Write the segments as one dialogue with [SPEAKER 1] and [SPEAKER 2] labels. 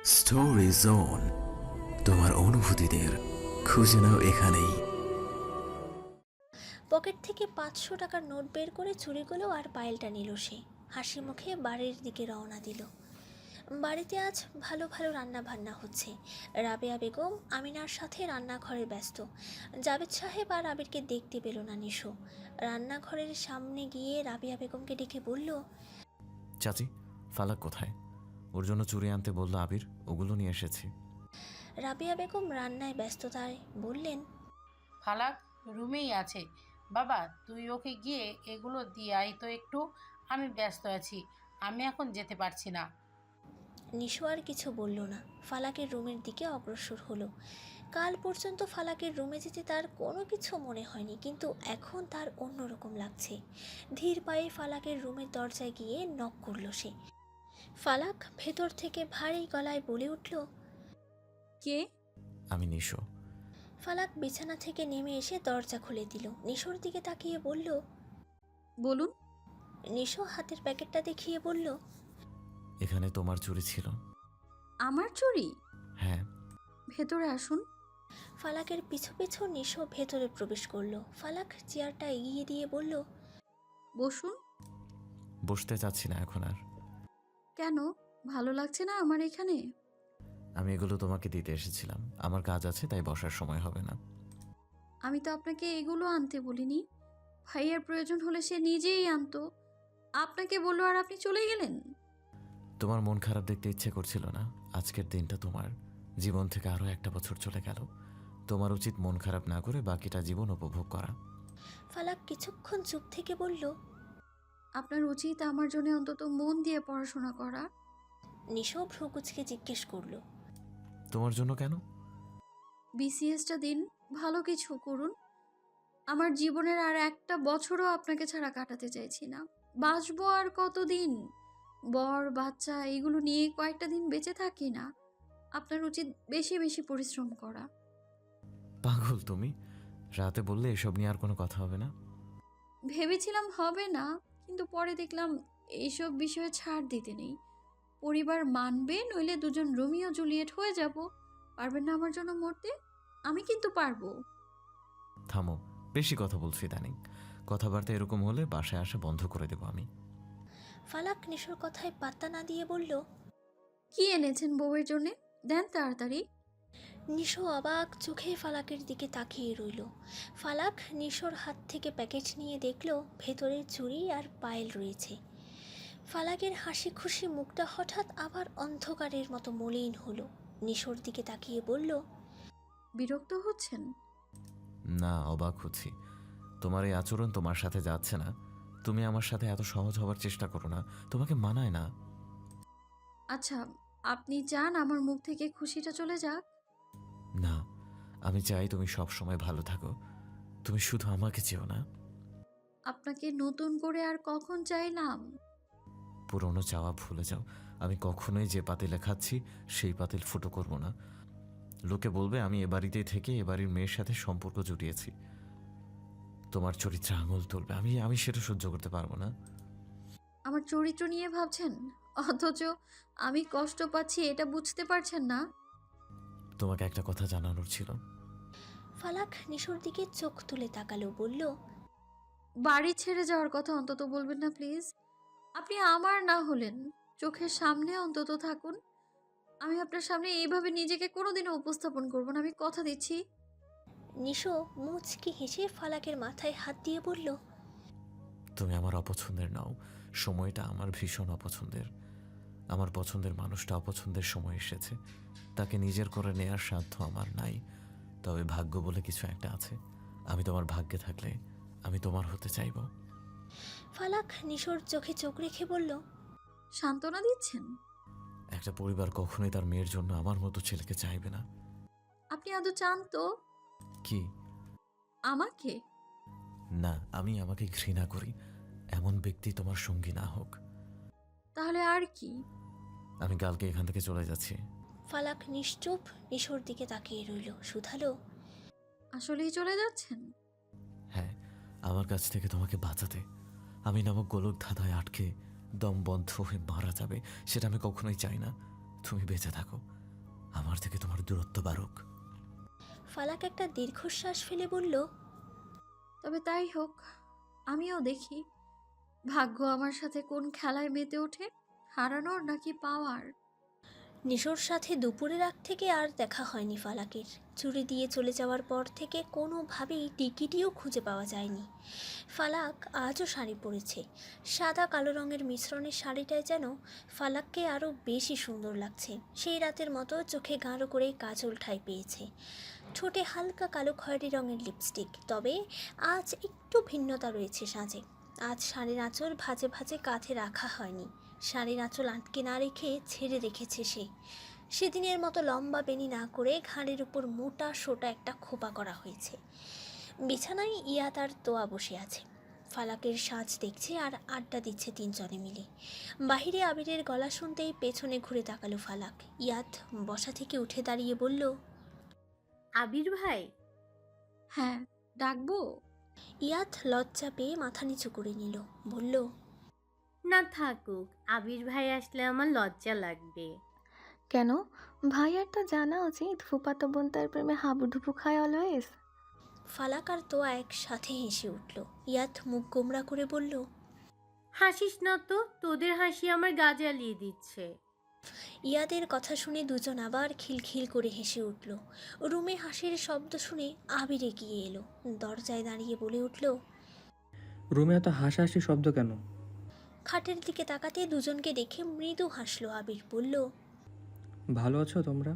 [SPEAKER 1] Story zone, তোমার অনুভূতিদের খুঁজে নাও এখানেই।
[SPEAKER 2] পকেট থেকে 500 টাকার নোট বের করে চুরিগুলো আর পায়েলটা নিল সে। হাসি মুখে বাড়ির দিকে রওনা দিল। বাড়িতে আজ ভালো ভালো রান্না বান্না হচ্ছে। রাবেয়া বেগম আমিনার সাথে রান্নাঘরে ব্যস্ত। জাবেদ সাহেব আর আবিরকে দেখতে পেল না নিশো। রান্নাঘরের সামনে গিয়ে রাবেয়া বেগমকে ডেকে বলল,
[SPEAKER 3] চাচি, ফালাক কোথায়? ওর জন্য চুরি আনতে বললো আবির, ওগুলো নিয়ে এসেছি।
[SPEAKER 2] রাবেয়া বেগম রান্নায় ব্যস্ততায় বললেন,
[SPEAKER 4] ফালাক রুমেই আছে। বাবা, তুই ওকে গিয়ে এগুলো দিয়ে আয় তো একটু। আমি ব্যস্ত আছি, আমি এখন যেতে পারছি না।
[SPEAKER 2] নিশো আর কিছু বলল না, ফালাকের রুমের দিকে অগ্রসর হলো। কাল পর্যন্ত ফালাকের রুমে যেতে তার কোনো কিছু মনে হয়নি, কিন্তু এখন তার অন্যরকম লাগছে। ধীর পায়ে ফালাকের রুমের দরজায় গিয়ে নক করল সে। ফালাক ভেতর থেকে ভারী গলায় বলে উঠল,
[SPEAKER 5] কে?
[SPEAKER 3] আমি নিশো।
[SPEAKER 2] ফালাক বিছানা থেকে নেমে এসে দরজা খুলে দিল। নিশোর দিকে তাকিয়ে বলল,
[SPEAKER 5] বলুন।
[SPEAKER 2] নিশো হাতের প্যাকেটটা দেখিয়ে বলল,
[SPEAKER 3] এখানে তোমার চুরি ছিল।
[SPEAKER 5] আমার চুরি?
[SPEAKER 3] হ্যাঁ।
[SPEAKER 5] ভেতরে আসুন।
[SPEAKER 2] ফালাকের পিছু পিছু নিশো ভেতরে প্রবেশ করলো। ফালাক চেয়ারটা এগিয়ে দিয়ে বলল,
[SPEAKER 5] বসুন।
[SPEAKER 3] বসতে চাচ্ছি না এখন আর।
[SPEAKER 5] কেন? ভালো লাগছে না আমার এখানে?
[SPEAKER 3] আমি এগুলো তোমাকে দিতে এসেছিলাম, আমার কাজ আছে, তাই বসার সময় হবে না।
[SPEAKER 5] আমি তো আপনাকে এগুলো আনতে বলিনি। ভাইয়ের প্রয়োজন হলে সে নিজেই আনতো। আপনাকে বললো আর আপনি চলে গেলেন।
[SPEAKER 3] তোমার মন খারাপ দেখতে ইচ্ছে করছিল না? আজকের দিনটা তোমার জীবন থেকে আরও একটা বছর চলে গেল। তোমার উচিত মন খারাপ না করে বাকিটা জীবন উপভোগ করা।
[SPEAKER 2] ফালাক কিছুক্ষণ চুপ থেকে বলল,
[SPEAKER 5] আপনার উচিত আমার জন্য অন্তত মন দিয়ে পড়াশোনা করা।
[SPEAKER 2] নিশো ভ্রুকুচকে জিজ্ঞেস করলো,
[SPEAKER 3] তোমার জন্য কেন?
[SPEAKER 5] বিসিএসটা দিন, ভালো কিছু করুন। আমার জীবনের আর একটা বছরও আপনাকে ছাড়া কাটাতে চাইছি না। বাঁচবো আর কতদিন? বর বাচ্চা এগুলো নিয়ে কয়েকটা দিন বেঁচে থাকি না। আপনার উচিত বেশি বেশি পরিশ্রম করা।
[SPEAKER 3] পাগল তুমি? রাতে বললে এসব নিয়ে আর কোনো কথা হবে না।
[SPEAKER 5] ভেবেছিলাম হবে না, কিন্তু পরে দেখলাম এইসব বিষয়ে ছাড় দিতে নেই। পরিবার মানবে, নইলে দুজন রোমিও জুলিয়েট হয়ে যাব। পারবেন না আমার জন্য মরতে? আমি কিন্তু পারবো।
[SPEAKER 3] থামো, বেশি কথা বলছি ইদানিং। কথাবার্তা এরকম হলে বাসায় আসা বন্ধ করে দেবো আমি।
[SPEAKER 2] ফালাক নিশোর কথায় পাত্তা না দিয়ে বলল,
[SPEAKER 5] কি এনেছেন বউয়ের জন্যে? দেন তাড়াতাড়ি।
[SPEAKER 2] নিশো অবাক চোখে ফালাকের দিকে তাকিয়ে রইল। ফালাক নিশোর হাত থেকে প্যাকেট নিয়ে দেখল ভেতরে চুড়ি আর পায়েল রয়েছে। ফালাকের হাসি খুশি মুখটা হঠাৎ আবার অন্ধকারের মতো মলিন হলো। নিশোর দিকে তাকিয়ে বলল,
[SPEAKER 5] বিরক্ত হচ্ছেন?
[SPEAKER 3] না, অবাক হচ্ছি। তোমার এই আচরণ তোমার সাথে যাচ্ছে না। তুমি আমার সাথে এত সহজ হবার চেষ্টা করো না, তোমাকে মানায় না।
[SPEAKER 5] আচ্ছা, আপনি চান আমার মুখ থেকে খুশিটা চলে যাক?
[SPEAKER 3] না, আমি চাই তুমি সব সময় ভালো থাকো। তুমি শুধু আমাকে চেও না।
[SPEAKER 5] আপনাকে নতুন করে আর কখন চাইলাম?
[SPEAKER 3] পুরনো চাওয়া ভুলে যাও। আমি কখনোই যে পাতিলে খাচ্ছি সেই পাতিল ফুটো করব না। লোকে বলবে আমি এ বাড়িতেই থেকে এ বাড়ির মেয়ের সাথে সম্পর্ক জুটিয়েছি। তোমার চরিত্রে আঙুল তুলবে, আমি সেটা সহ্য করতে পারবো না।
[SPEAKER 5] আমার চরিত্র নিয়ে ভাবছেন, অথচ আমি কষ্ট পাচ্ছি এটা বুঝতে পারছেন না?
[SPEAKER 3] তোমাকে একটা কথা জানানোর ছিল।
[SPEAKER 2] ফালাক নিশোর দিকে চোখ তুলে তাকালো, বলল,
[SPEAKER 5] বাড়ি ছেড়ে যাওয়ার কথা অন্তত বলবেন না প্লিজ। আপনি আমার না হলেন, চোখের সামনে অন্তত থাকুন। আমি আপনার সামনে এইভাবে নিজেকে কোনোদিনও উপস্থাপন করব না, আমি কথা দিচ্ছি।
[SPEAKER 2] নিশো মুচকি হেসে ফালাকের মাথায় হাত দিয়ে বলল,
[SPEAKER 3] তুমি আমার অপছন্দের নাও, সময়টা আমার ভীষণ অপছন্দের। আমার পছন্দের মানুষটা অপছন্দের সময় এসেছে, তাকে নিজের করে নেয়ার সাধ্য আমার নাই। তবে ভাগ্য বলে কিছু একটা আছে। আমি তোমার ভাগ্যে থাকলে আমি তোমার হতে চাইব।
[SPEAKER 2] ফালাক নিশোর চোখে চোখ রেখে বলল,
[SPEAKER 5] সান্ত্বনা দিচ্ছেন?
[SPEAKER 3] একটা পরিবার কখনোই তার মেয়ের জন্য আমার মতো ছেলেকে চাইবে না।
[SPEAKER 5] আপনি আদৌ চান তো
[SPEAKER 3] কি?
[SPEAKER 5] আমাকে?
[SPEAKER 3] না, আমি আমাকে ঘৃণা করি। এমন ব্যক্তি তোমার সঙ্গী না হোক।
[SPEAKER 5] তাহলে আর কি?
[SPEAKER 3] আমি কালকে এখান থেকে চলে যাচ্ছি।
[SPEAKER 2] ফালাক নিশ্চুপ নিশোর দিকে তাকিয়ে রইল। শুধালো,
[SPEAKER 5] আসলেই চলে যাচ্ছেন?
[SPEAKER 3] হ্যাঁ, আমার কাছ থেকে তোমাকে বাঁচাতে। আমি নামক গোলক ধাঁধায় আটকে দম বন্ধ হয়ে মারা যাবে, সেটা আমি কখনোই চাই না। তুমি বেঁচে থাকো, আমার থেকে তোমার দূরত্ব বাড়ুক।
[SPEAKER 2] ফালাক একটা দীর্ঘশ্বাস ফেলে বলল,
[SPEAKER 5] তবে তাই হোক, আমিও দেখি ভাগ্য আমার সাথে কোন খেলায় মেতে ওঠে, হারানোর নাকি পাওয়ার।
[SPEAKER 2] নিশোর সাথে দুপুরের আগ থেকে আর দেখা হয়নি ফালাকের। চুরি দিয়ে চলে যাওয়ার পর থেকে কোনোভাবেই টিকিটিও খুঁজে পাওয়া যায়নি। ফালাক আজও শাড়ি পরেছে। সাদা কালো রঙের মিশ্রণের শাড়িটায় যেন ফালাককে আরও বেশি সুন্দর লাগছে। সেই রাতের মতো চোখে গাঢ় করে কাজল ঠাঁই পেয়েছে, ঠোঁটে হালকা কালো খয়েরি রঙের লিপস্টিক। তবে আজ একটু ভিন্নতা রয়েছে সাজে। আজ শাড়ির আঁচল ভাঁজে ভাঁজে কাঁধে রাখা হয়নি, শাড়ির আঁচল আটকে না রেখে ছেড়ে রেখেছে সে। সেদিনের মতো লম্বা বেনি না করে ঘাড়ের উপর মোটা সোটা একটা খোপা করা হয়েছে। বিছানায় ইয়াত আর তোয়া বসে আছে। ফালাকের সাজ দেখছে আর আড্ডা দিচ্ছে তিনজনে মিলে। বাহিরে আবিরের গলা শুনতেই পেছনে ঘুরে তাকালো ফালাক। ইয়াত বসা থেকে উঠে দাঁড়িয়ে বলল,
[SPEAKER 6] আবির ভাই।
[SPEAKER 5] হ্যাঁ, ডাকবো?
[SPEAKER 2] ইয়াত লজ্জা পেয়ে মাথা নিচু করে নিল, বলল,
[SPEAKER 6] না থাকুক, আবির ভাই আসলে আমার লজ্জা লাগবে।
[SPEAKER 7] কেন? ভাইয়ার তো জানা উচিত ফুফাতো বোন তার প্রেমে হাবুডুবু খায় অলওয়েজ।
[SPEAKER 2] ফালাক আর তোয়া একসাথে হেসে উঠল। ইয়াত মুখ গোমরা করে বলল,
[SPEAKER 6] হাসিস না তো, তোদের হাসি আমার গা জ্বালিয়ে দিচ্ছে।
[SPEAKER 2] ইয়াদের কথা শুনে দুজন আবার খিলখিল করে হেসে উঠল। রুমে হাসির শব্দ শুনে আবির এগিয়ে এলো, দরজায় দাঁড়িয়ে বলে উঠল,
[SPEAKER 8] রুমে এত হাসাহাসি শব্দ কেন?
[SPEAKER 2] খাটের দিকে তাকাতে দুজনকে দেখে মৃদু হাসলো আবির, বলল,
[SPEAKER 8] ভালো আছো তোমরা?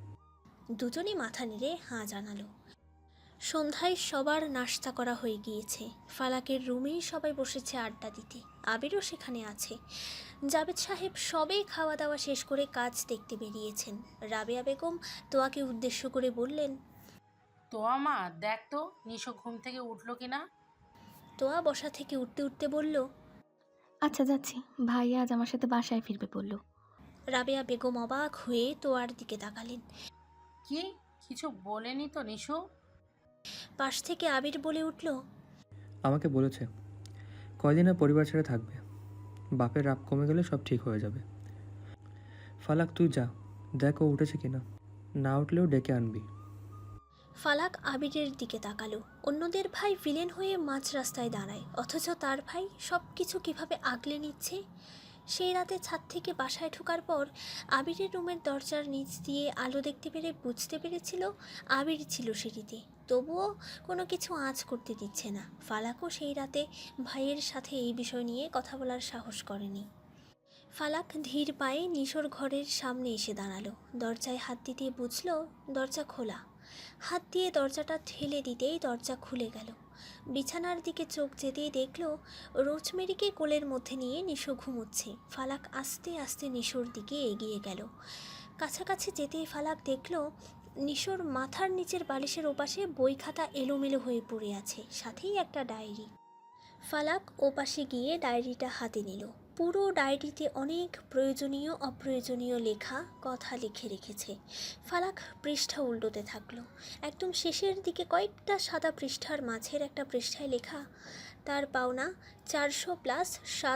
[SPEAKER 2] দুজনই মাথা নেড়ে হাঁ জানালো। সন্ধ্যায় সবার নাস্তা করা হয়ে গিয়েছে। ফালাকের রুমেই সবাই বসেছে আড্ডা দিতে। আবিরও সেখানে আছে। জাবেদ সাহেব সবে খাওয়া দাওয়া শেষ করে কাজ দেখতে বেরিয়েছেন। রাবেয়া বেগম তোয়াকে উদ্দেশ্য করে বললেন,
[SPEAKER 4] তো আমা দেখ তো নিশো ঘুম থেকে উঠলো কিনা।
[SPEAKER 2] তোয়া বসা থেকে উঠতে উঠতে বলল,
[SPEAKER 7] আচ্ছা যাচ্ছি, ভাইয়া আজ আমার সাথে বাসায় ফিরবে বলল।
[SPEAKER 2] রাবেয়া বেগম অবাক হয়ে তোয়ার দিকে তাকালেন।
[SPEAKER 4] কি কিছু বলেনি তো নিশো?
[SPEAKER 2] পাশ থেকে আবির বলে উঠল,
[SPEAKER 8] আমাকে বলেছে কয়দিন আর পরিবার ছেড়ে থাকবে, বাপের রাগ কমে গেলে সব ঠিক হয়ে যাবে। ফালাক তুই যা, দেখ ও উঠেছে কিনা, না উঠলেও ডেকে আনবি।
[SPEAKER 2] ফালাক আবিরের দিকে তাকালো। অন্যদের ভাই ভিলেন হয়ে মাঝ রাস্তায় দাঁড়ায়, অথচ তার ভাই সব কিছু কীভাবে আগলে নিচ্ছে। সেই রাতে ছাদ থেকে বাসায় ঢোকার পর আবিরের রুমের দরজার নিচ দিয়ে আলো দেখতে পেরে বুঝতে পেরেছিল আবির ছিল সিঁড়িতে, তবুও কোনো কিছু আঁচ করতে দিচ্ছে না। ফালাকও সেই রাতে ভাইয়ের সাথে এই বিষয় নিয়ে কথা বলার সাহস করেনি। ফালাক ধীর পায়ে নিশোর ঘরের সামনে এসে দাঁড়ালো। দরজায় হাত দিতে বুঝল দরজা খোলা। হাত দিয়ে দরজাটা ঠেলে দিতেই দরজা খুলে গেল। বিছানার দিকে চোখ যেতেই দেখল রোজমেরিকে কোলের মধ্যে নিয়ে নিশো ঘুমোচ্ছে। ফালাক আস্তে আস্তে নিশোর দিকে এগিয়ে গেল। কাছাকাছি যেতেই ফালাক দেখল নিশোর মাথার নিচের বালিশের ওপাশে বই খাতা এলোমেলো হয়ে পড়ে আছে, সাথেই একটা ডায়েরি। ফালাক ওপাশে গিয়ে ডায়েরিটা হাতে নিল। পুরো ডায়েরিতে অনেক প্রয়োজনীয় অপ্রয়োজনীয় লেখা কথা লিখে রেখেছে। ফালাক পৃষ্ঠা উল্টোতে থাকলো। একদম শেষের দিকে কয়েকটা সাদা পৃষ্ঠার মাঝের একটা পৃষ্ঠায় লেখা তার পাওনা 400 প্লাস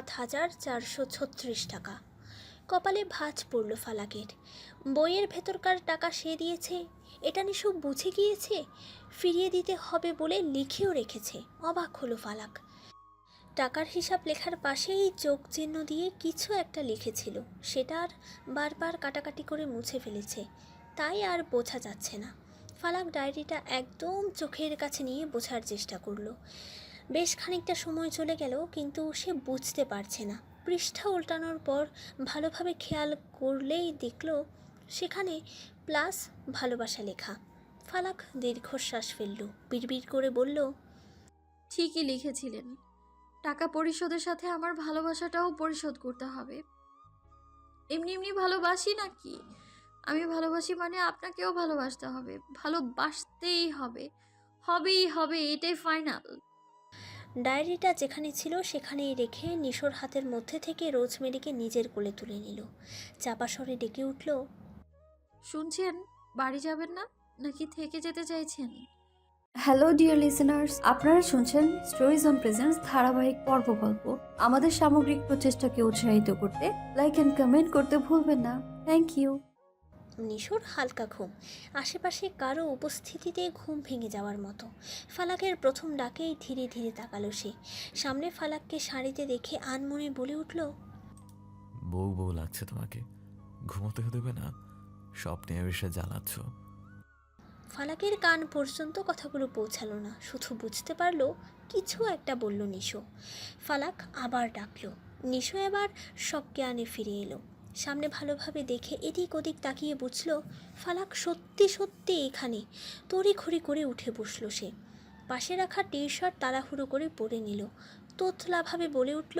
[SPEAKER 2] 7,436 টাকা। কপালে ভাঁজ পড়ল ফালাকের। বইয়ের ভেতরকার টাকা সে দিয়েছে, এটা নিশো বুঝে গিয়েছে, ফিরিয়ে দিতে হবে বলে লিখেও রেখেছে। অবাক হলো ফালাক। টাকার হিসাব লেখার পাশেই যোগ চিহ্ন দিয়ে কিছু একটা লিখেছিল, সেটা আর বারবার কাটাকাটি করে মুছে ফেলেছে, তাই আর বোঝা যাচ্ছে না। ফালাক ডায়েরিটা একদম চোখের কাছে নিয়ে বোঝার চেষ্টা করলো। বেশ খানিকটা সময় চলে গেল, কিন্তু সে বুঝতে পারছে না। পৃষ্ঠা উল্টানোর পর ভালোভাবে খেয়াল করলেই দেখল সেখানে প্লাস ভালোবাসা লেখা। ফালাক দীর্ঘশ্বাস ফেলল, বিড়বিড় করে বলল,
[SPEAKER 5] ঠিকই লিখেছিলেন, টাকা পরিশোধের সাথে আমার ভালোবাসাটাও পরিশোধ করতে হবে। এমনি এমনি ভালোবাসি নাকি? আমি ভালোবাসি মানে আপনাকেও ভালোবাসতে হবে, ভালোবাসতেই হবে, হবেই হবে, এটাই ফাইনাল।
[SPEAKER 2] ডায়েরিটা যেখানে ছিল সেখানেই রেখে নিশোর হাতের মধ্যে থেকে রোজমেরিকে নিজের কোলে তুলে নিল। চাপা স্বরে ডেকে উঠল,
[SPEAKER 5] শুনছেন? বাড়ি যাবেন না নাকি থেকে যেতে চাইছেন? হ্যালো ডিয়ার লিসেনার্স, আপনারা শুনছেন স্টোরিজ অন প্রেজেন্স ধারাবাহিক পর্ব গল্প। আমাদের সামগ্রিক প্রচেষ্টাকে উৎসাহিত করতে লাইক অ্যান্ড কমেন্ট করতে ভুলবেন না। Thank you.
[SPEAKER 2] নিশোর হালকা ঘুম, আশেপাশে কারো উপস্থিতিতে ঘুম ভেঙে যাওয়ার মতো। ফালাকের প্রথম ডাকেই ধীরে ধীরে তাকালো সে। সামনে ফালাককে শাড়িতে দেখে আনমনে বলে উঠল,
[SPEAKER 3] বউ বউ লাগছে তোমাকে, ঘুমোতে দেবে না, স্বপ্নে এসে জ্বালাচ্ছ।
[SPEAKER 2] ফালাকের কান পর্যন্ত কথাগুলো পৌঁছালো না, শুধু বুঝতে পারলো কিছু একটা বলল নিশো। ফালাক আবার ডাকলো। নিশো এবার সব জ্ঞানে ফিরে এলো। সামনে ভালোভাবে দেখে এদিক ওদিক তাকিয়ে বুঝলো ফালাক সত্যি সত্যি এখানে। তড়িঘড়ি করে উঠে বসলো সে। পাশে রাখা টি শার্ট তাড়াহুড়ো করে পরে নিল। তোতলাভাবে বলে উঠল,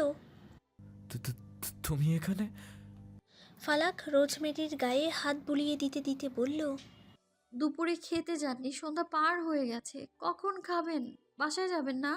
[SPEAKER 3] তুমি এখানে?
[SPEAKER 2] ফালাক রোজমেরির গায়ে হাত বুলিয়ে দিতে দিতে বলল,
[SPEAKER 5] দুপুরে খেতে যাননি, সন্ধ্যা পার হয়ে গেছে, কখন খাবেন? বাসায় যাবেন না?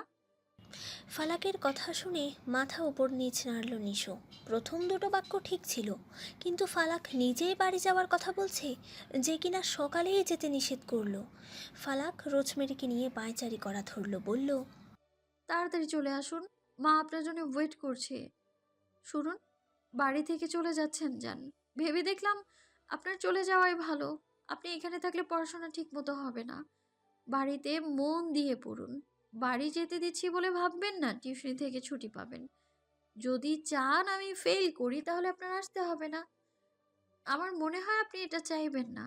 [SPEAKER 2] ফালাকের কথা শুনে মাথা উপর নিচ নাড়ল নিশো। প্রথম দুটো বাক্য ঠিক ছিল, কিন্তু ফালাক নিজেই বাড়ি যাওয়ার কথা বলছে, যে কিনা সকালেই যেতে নিষেধ করলো। ফালাক রোজমেরিকে নিয়ে পায়চারি করা ধরল, বলল,
[SPEAKER 5] তাড়াতাড়ি চলে আসুন, মা আপনার জন্য ওয়েট করছে। শুনুন, বাড়ি থেকে চলে যাচ্ছেন যান। ভেবে দেখলাম আপনার চলে যাওয়াই ভালো। আপনি এখানে থাকলে পড়াশোনা ঠিক মতো হবে না। বাড়িতে মন দিয়ে পড়ুন। বাড়ি যেতে দিচ্ছি বলে ভাববেন না টিউশনি থেকে ছুটি পাবেন। যদি চান আমি ফেল করি তাহলে আপনার আসতে হবে না। আমার মনে হয় আপনি এটা চাইবেন না।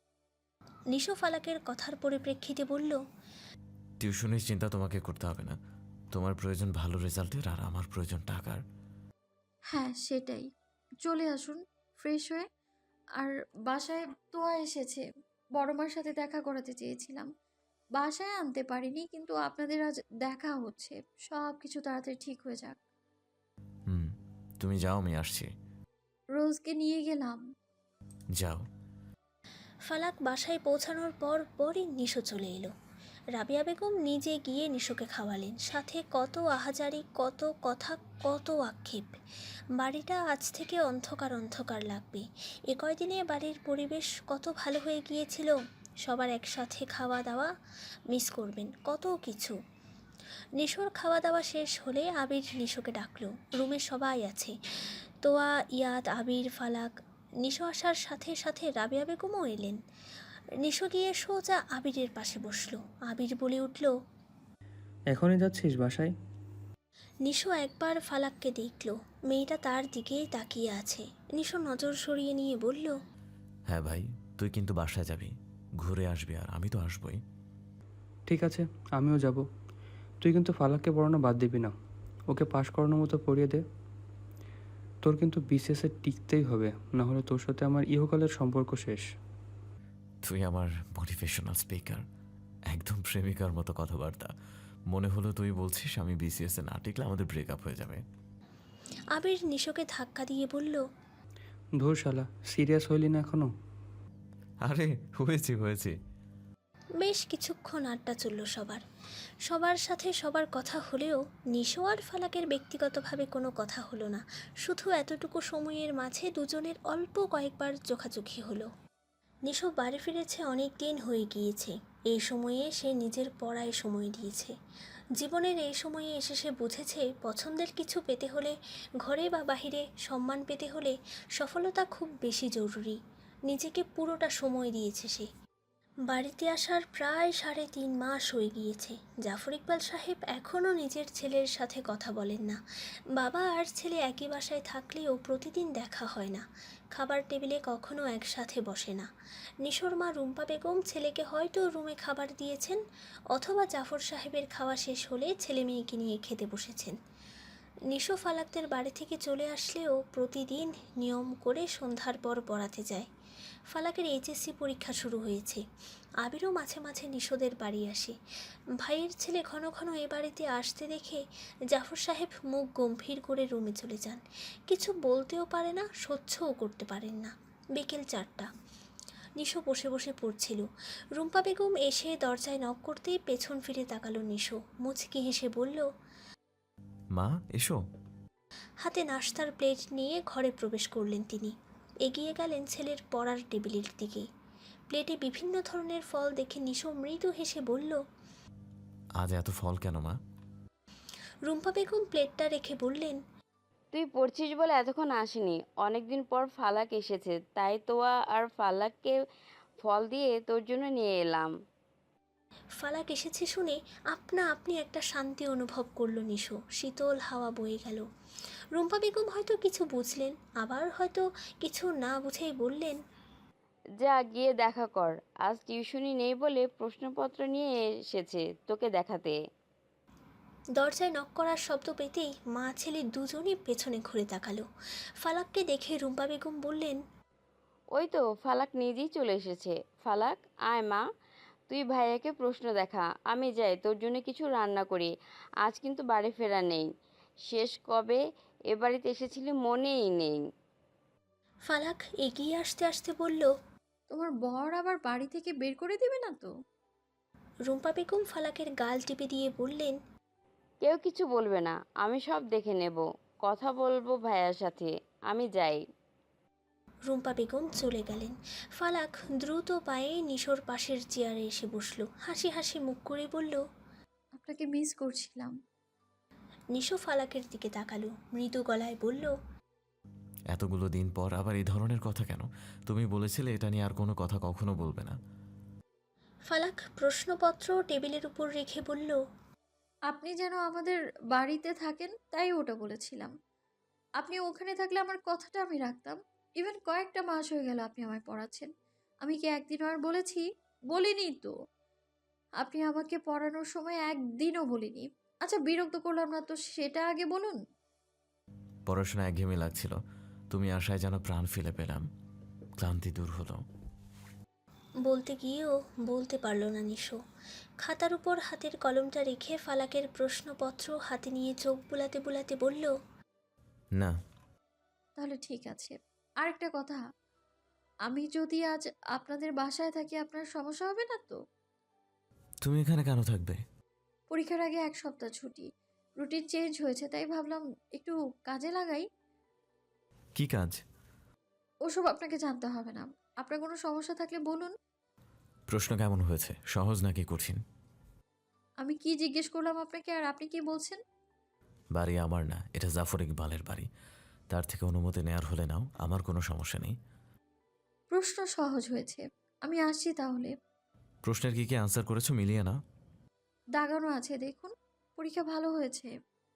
[SPEAKER 2] নিশো ফালাকের কথার পরিপ্রেক্ষিতে বলল,
[SPEAKER 3] টিউশনের চিন্তা তোমাকে করতে হবে না, তোমার প্রয়োজন ভালো রেজাল্টের আর আমার প্রয়োজন টাকার।
[SPEAKER 5] হ্যাঁ সেটাই। চলে আসুন ফ্রেশ হয়ে। আর বাসায় তোয়া এসেছে, বড় মার সাথে দেখা করাতে চেয়েছিলাম, বাসায় আনতে পারিনি, কিন্তু আপনাদের আজ দেখা হচ্ছে। সব কিছু তাড়াতাড়ি ঠিক হয়ে যাক।
[SPEAKER 3] হুম, তুমি যাও, আমি আসছি।
[SPEAKER 5] রোজকে নিয়ে গেলাম।
[SPEAKER 3] যাও।
[SPEAKER 2] ফালাক বাসায় পৌঁছানোর পরই নিশো চলে এলো। রাবিয়া বেগম নিজে গিয়ে নিশোকে খাওয়ালেন, সাথে কত আহাজারি, কত কথা, কত আক্ষেপ। বাড়িটা আজ থেকে অন্ধকার অন্ধকার লাগবে। এ কয়দিনে বাড়ির পরিবেশ কত ভালো হয়ে গিয়েছিল। সবার একসাথে খাওয়া দাওয়া মিস করবেন, কত কিছু। নিশোর খাওয়া দাওয়া শেষ হলে আবির নিশোকে ডাকলো। রুমে সবাই আছে, তোয়া, ইয়াদ, আবির, ফালাক। নিশো আসার সাথে সাথে রাবিয়া বেগমও এলেন। নিশো গিয়ে সোজা আবিরের পাশে বসলো। আবির বলে উঠল,
[SPEAKER 8] এখনই যাচ্ছিস বাসায়?
[SPEAKER 2] নিশো একবার ফালাককে দেখল, মেয়েটা তার দিকেই তাকিয়ে আছে। নিশো নজর সরিয়ে নিয়ে বলল,
[SPEAKER 3] হ্যাঁ ভাই, তুই কিন্তু বাসায় যাবি, ঘুরে আসবি, আর আমি তো আসবই।
[SPEAKER 8] ঠিক আছে, আমিও যাব। তুই কিন্তু ফালাককে পড়ানো বাদ দিবি না, ওকে পাশ করানোর মতো পড়িয়ে দে। তোর কিন্তু বিসিএসে টিকতেই হবে, না হলে তোর সাথে আমার ইহকালের সম্পর্ক শেষ।
[SPEAKER 3] তুই আমার মোটিভেশনাল স্পিকার, একদম প্রেমিকার মতো কথাবার্তা। মনে হলো তুই বলছিস আমি বিসিএস এ না টিকলে আমাদের ব্রেকআপ হয়ে যাবে।
[SPEAKER 2] আবির নিশোকে ধাক্কা দিয়ে বলল,
[SPEAKER 8] ধুর শালা, সিরিয়াস হইলি না এখনো?
[SPEAKER 3] আরে হয়েছে।
[SPEAKER 2] বেশ কিছুক্ষণ আড্ডা চলল সবার সাথে সবার কথা হলেও নিশো আর ফালাকের ব্যক্তিগতভাবে কোনো কথা হলো না। শুধু এতটুকু সময়ের মাঝে দুজনের অল্প কয়েকবার চোখাচোখি হলো। নিশো বাড়ি ফিরেছে অনেক দিন হয়ে গিয়েছে। এই সময়ে সে নিজের পড়ায় সময় দিয়েছে। জীবনের এই সময়ে এসে সে বুঝেছে পছন্দের কিছু পেতে হলে, ঘরে বা বাহিরে সম্মান পেতে হলে সফলতা খুব বেশি জরুরি। নিজেকে পুরোটা সময় দিয়েছে সে। বাড়িতে আসার প্রায় 3.5 মাস হয়ে গিয়েছে। জাফর ইকবাল সাহেব এখনও নিজের ছেলের সাথে কথা বলেন না। বাবা আর ছেলে একই বাসায় থাকলেও প্রতিদিন দেখা হয় না। খাবার টেবিলে কখনো একসাথে বসে না। নিশোর মা রুম্পা বেগম ছেলেকে হয়তো রুমে খাবার দিয়েছেন, অথবা জাফর সাহেবের খাওয়া শেষ হলে ছেলে মেয়েকে নিয়ে খেতে বসেছেন। নিশো ফালাকদের বাড়ি থেকে চলে আসলেও প্রতিদিন নিয়ম করে সন্ধ্যার পর পড়াতে যায়। ফালাকের এইচএসসি পরীক্ষা শুরু হয়েছে। আবিরও মাঝে মাঝে নিশোদের বাড়ি আসে। ভাইয়ের ছেলে ঘন ঘন এ বাড়িতে আসতে দেখে জাফর সাহেব মুখ গম্ভীর করে রুমে চলে যান। কিছু বলতেও পারে না, সহ্যও করতে পারেন না। বিকেল 4টা। নিশো বসে বসে পড়ছিল। রুম্পা বেগম এসে দরজায় নক করতেই পেছন ফিরে তাকালো নিশো। মুচকি হেসে বলল,
[SPEAKER 3] মা এসো।
[SPEAKER 2] হাতে নাশতার প্লেট নিয়ে ঘরে প্রবেশ করলেন তিনি। এগিয়ে গেলেন ছেলের পড়ার টেবিলের দিকে। প্লেটে বিভিন্ন ধরনের ফল দেখে নিশো মৃদু হেসে বলল,
[SPEAKER 3] আজ এত ফল কেন মা?
[SPEAKER 2] রুম্পা বেগম প্লেটটা রেখে বললেন,
[SPEAKER 9] তুই পড়ছিস বলে এতক্ষণ আসেনি। অনেকদিন পর ফালাক এসেছে, তাই তোয়া আর ফালাককে ফল দিয়ে তোর জন্য নিয়ে এলাম।
[SPEAKER 2] ফালাক এসেছে শুনে আপনা আপনি একটা শান্তি অনুভব করলো নিশো। শীতল হাওয়া বয়ে গেল। রুম্পা বেগম হয়তো কিছু বুঝলেন, আবার হয়তো কিছু না বুঝেই বললেন,
[SPEAKER 9] যা গিয়ে দেখা কর। আজ টিউশনি নেই বলে প্রশ্নপত্র নিয়ে এসেছে তোকে দেখাতে।
[SPEAKER 2] দরজায় নক করার শব্দ পেতেই মা ছেলে দুজনই পেছনে ঘুরে তাকালো। ফালাককে দেখে রুম্পা বেগম বললেন,
[SPEAKER 9] ওই তো ফালাক নিজেই চলে এসেছে। ফালাক, আয় মা, তুই ভাইয়াকে প্রশ্ন দেখা। আমি যাই, তোর জন্য কিছু রান্না করি। আজ কিন্তু বাড়ি ফেরা নেই। শেষ কবে এ বাড়িতে এসেছিলি মনেই নেই।
[SPEAKER 2] ফালাক এগিয়ে আসতে আসতে বলল,
[SPEAKER 5] তোমার বর আবার বাড়ি থেকে বের করে দিবে না তো?
[SPEAKER 2] রুম্পা বেগম ফালাকের গাল টিপে দিয়ে বললেন,
[SPEAKER 9] কেউ কিছু বলবে না, আমি সব দেখে নেব। কথা বলবো ভাইয়ার সাথে। আমি যাই।
[SPEAKER 2] রুম্পা বেগম চলে গেলেন। ফালাক দ্রুত পায়ে নিশোর পাশের চেয়ারে এসে বসলো। হাসি হাসি মুখ করে বলল,
[SPEAKER 5] আপনাকে মিস করছিলাম।
[SPEAKER 2] নিশো ফালাকের দিকে তাকালো, মৃদু গলায় বলল,
[SPEAKER 3] এতগুলো দিন পর আবার এই ধরনের কথা কেন? তুমি বলেছিলে এটা নিয়ে আর কোনো কথা কখনো বলবে না।
[SPEAKER 2] ফালাক প্রশ্নপত্র টেবিলের উপর রেখে বলল,
[SPEAKER 5] আপনি যেন আমাদের বাড়িতে থাকেন, তাই ওটা বলেছিলাম। আপনি ওখানে থাকলে আমার কথাটা আমি রাখতাম। ইভেন কয়েকটা মাস হয়ে গেল আপনি আমায় পড়াচ্ছেন। আমি কি একদিনও আর বলেছি? বলিনি তো। আপনি আমাকে পড়ানোর সময় একদিনও বলিনি। আচ্ছা, বিরক্ত করলাম না তো সেটা আগে বলুন।
[SPEAKER 3] পড়াশোনা একঘেয়েমি লাগছিল, তুমি আশায় যেন প্রাণ ফেলে পেলাম। ক্লান্তি দূর হলো।
[SPEAKER 2] বলতে গিয়েও বলতে পারল না নিশো। খাতার উপর হাতের কলমটা রেখে ফালাকের প্রশ্নপত্র হাতে নিয়ে চোখ বুলাতে বুলাতে বলল,
[SPEAKER 3] না।
[SPEAKER 5] তাহলে ঠিক আছে। আরেকটা কথা, আমি যদি আজ আপনাদের বাসায় থাকি আপনার সমস্যা হবে না তো?
[SPEAKER 3] তুমি এখানে কেন থাকবে?
[SPEAKER 5] পরীক্ষার আগে 1 সপ্তাহ ছুটি। রুটিন চেঞ্জ হয়েছে, তাই ভাবলাম একটু কাজে লাগাই।
[SPEAKER 3] কি কাজ?
[SPEAKER 5] ওসব আপনাকে জানতে হবে না। আপনার কোনো সমস্যা থাকলে বলুন।
[SPEAKER 3] প্রশ্ন কেমন হয়েছে, সহজ নাকি কঠিন?
[SPEAKER 5] আমি কি জিজ্ঞেস করলাম আপনাকে আর আপনি কি বলছেন?
[SPEAKER 3] বাড়ি আমার না, এটা জাফর ইকবালের বাড়ি। তার থেকে অনুমতি নেয়ার হলে নাও, আমার কোনো সমস্যা নেই।
[SPEAKER 5] প্রশ্ন সহজ হয়েছে। আমি আসছি তাহলে।
[SPEAKER 3] প্রশ্নের কি কি আনসার করেছো মিলিয়ে না?
[SPEAKER 5] দাগানো আছে দেখুন। পরীক্ষা ভালো হয়েছে।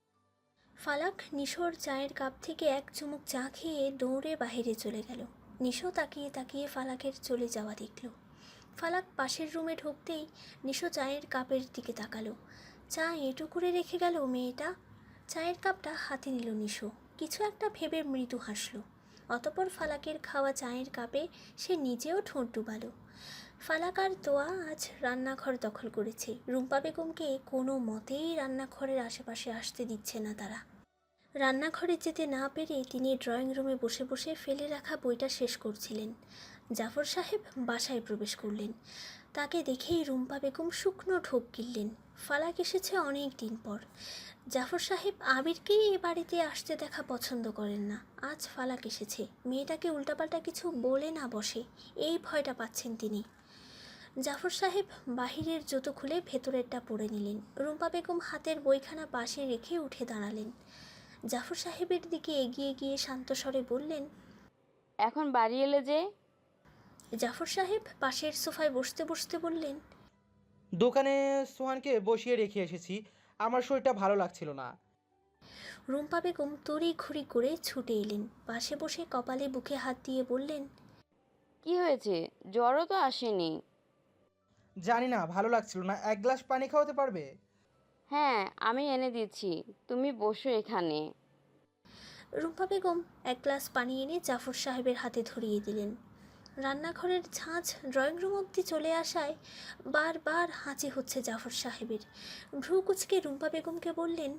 [SPEAKER 2] ফালাক নিশোর চায়ের কাপ থেকে এক চুমুক চা খেয়ে দৌড়ে বাইরে চলে গেল। নিশো তাকিয়ে তাকিয়ে ফালাকের চলে যাওয়া দেখল। ফালাক পাশের রুমে ঢুকতেই নিশো চায়ের কাপের দিকে তাকালো। চা এঁটো করে রেখে গেল মেয়েটা। চায়ের কাপটা হাতে নিল নিশো, কিছু একটা ভেবে মৃদু হাসলো। অতপর ফালাকের খাওয়া চায়ের কাপে সে নিজেও ঠোঁট ডুবালো। ফালাক আর তোয়া আজ রান্নাঘর দখল করেছে। রুম্পা বেগমকে কোনো মতেই রান্নাঘরের আশেপাশে আসতে দিচ্ছে না তারা। রান্নাঘরে যেতে না পেরে তিনি ড্রয়িং রুমে বসে বসে ফেলে রাখা বইটা শেষ করছিলেন। জাফর সাহেব বাসায় প্রবেশ করলেন। তাকে দেখেই রুম্পা বেগম শুকনো ঢোক গিললেন। ফালাক এসেছে অনেক দিন পর। জাফর সাহেব আবিরকেই এ বাড়িতে আসতে দেখা পছন্দ করেন না। আজ ফালাক এসেছে, মেয়েটাকে উল্টাপাল্টা কিছু বলে না বসে, এই ভয়টা পাচ্ছেন তিনি। জাফর সাহেব বাহিরের জুতো খুলে ভেতরেরটা পরে নিলেন। রুম্পা বেগম হাতের বইখানা পাশে রেখে উঠে দাঁড়ালেন। জাফর সাহেবের দিকে এগিয়ে গিয়ে শান্ত স্বরে বললেন,
[SPEAKER 9] এখন বাড়ি এলে যে?
[SPEAKER 2] জাফর সাহেব পাশের সোফায় বসতে বসতে বললেন,
[SPEAKER 10] দোকানে সোহানকে বসিয়ে রেখে এসেছি, আমার শরীরটা ভালো লাগছিল না।
[SPEAKER 2] রুম্পা বেগম তড়ি ঘড়ি করে ছুটে এলেন। পাশে বসে কপালে বুকে হাত দিয়ে বললেন,
[SPEAKER 9] কি হয়েছে? জ্বরও তো আসেনি।
[SPEAKER 10] জানি না, ভালো লাগছিল না। এক গ্লাস পানি খাওয়াতে পারবে?
[SPEAKER 9] হ্যাঁ, আমি এনে দিচ্ছি, তুমি বসো এখানে।
[SPEAKER 2] রুম্পা বেগম এক গ্লাস পানি এনে জাফর সাহেবের হাতে ধরিয়ে দিলেন। রান্নাঘরের ঝাঁঝ ড্রয়িং রুম অবধি চলে আসায় বারবার হাঁচি হচ্ছে জাফর সাহেবের। ভ্রু কুচকে রুম্পা বেগমকে বললেন,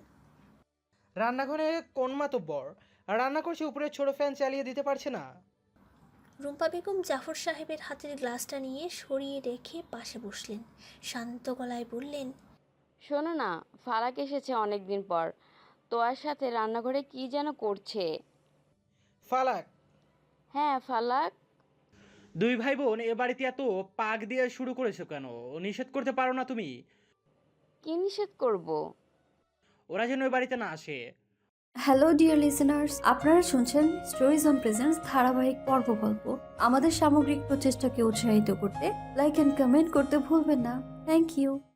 [SPEAKER 10] রান্নাঘরে কোন মাতব্বর রান্না করছে, উপরে ছোট ফ্যান চালিয়ে দিতে পারছে না?
[SPEAKER 2] রুম্পা বেগম জাফর সাহেবের হাতের গ্লাসটা নিয়ে সরিয়ে রেখে পাশে বসলেন। শান্ত গলায় বললেন,
[SPEAKER 9] শোনো না, ফালাক এসেছে অনেক দিন পর। তোয়ার সাথে রান্নাঘরে কি যেন করছে।
[SPEAKER 10] ফালাক?
[SPEAKER 9] হ্যাঁ, ফালাক।
[SPEAKER 10] দুই ভাই বোন এ বাড়িতে এত পাক দিয়ে শুরু করেছো কেন? নিষেধ করতে পারো না তুমি?
[SPEAKER 9] কি নিষেধ করব?
[SPEAKER 10] ওরা যেন ওই বাড়িতে না আসে।
[SPEAKER 5] হ্যালো ডিয়ার লিসেনার্স, আপনারা শুনছেন স্টোরিজ অন প্রেজেন্স ধারাবাহিক পর্বগল্প। আমাদের সামগ্রিক প্রচেষ্টাকে উৎসাহিত করতে লাইক অ্যান্ড কমেন্ট করতে ভুলবেন না। Thank you.